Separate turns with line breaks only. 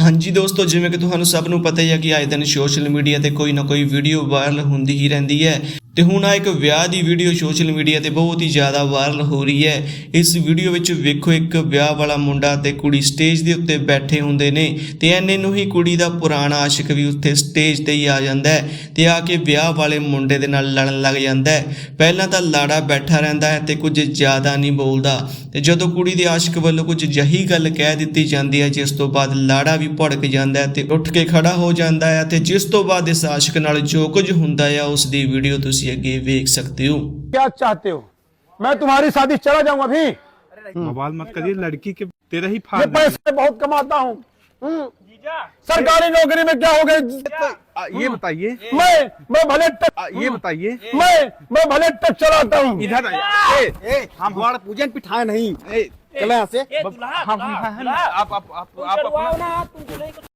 हाँ जी दोस्तों, जिवें कि तुहानू सब नू पता ही है कि आए दिन सोशल मीडिया ते कोई ना कोई वीडियो वायरल होंदी ही रहिंदी है। ते हुण आ एक विआह दी वीडियो सोशल मीडिया ते बहुत ही ज़्यादा वायरल हो रही है। इस वीडियो विच वेखो एक विआह वाला मुंडा ते कुड़ी स्टेज दे उत्ते बैठे हुंदे ने ते इन्ने नू ही कुड़ी दा पुराना आशिक भी उत्थे स्टेज ते ही आ जांदा है ते आके विआह वाले मुंडे दे नाल लड़न लग जांदा है। पहलां तां लाड़ा बैठा रहिंदा है ते कुछ ज़्यादा नहीं बोलदा ते जदों कुड़ी दे आशिक वल्लों कुछ जही गल कह दित्ती जांदी है जिस तो बाद लाड़ा भी भड़क जांदा है ते उठ के खड़ा हो जांदा है ते जिस तो बाद इस आशिक नाल जो कुछ हुंदा है उस दी वीडियो तुसीं अगे वेख सकते हो।
क्या चाहते हो? मैं तुम्हारी शादी चला जाऊं अभी।
बवाल मत करिए, लड़की के तेरा ही
ये
फायदा।
पैसे बहुत कमाता हूँ। सरकारी नौकरी में क्या हो गए?
ये बताइए,
मैं भले ट्रक
ये बताइए,
मैं भले ट्रक चलाता हूँ।
इधर आइए।
हम द्वार पूजन पिठाए नहीं चले यहाँ से।
आप अपना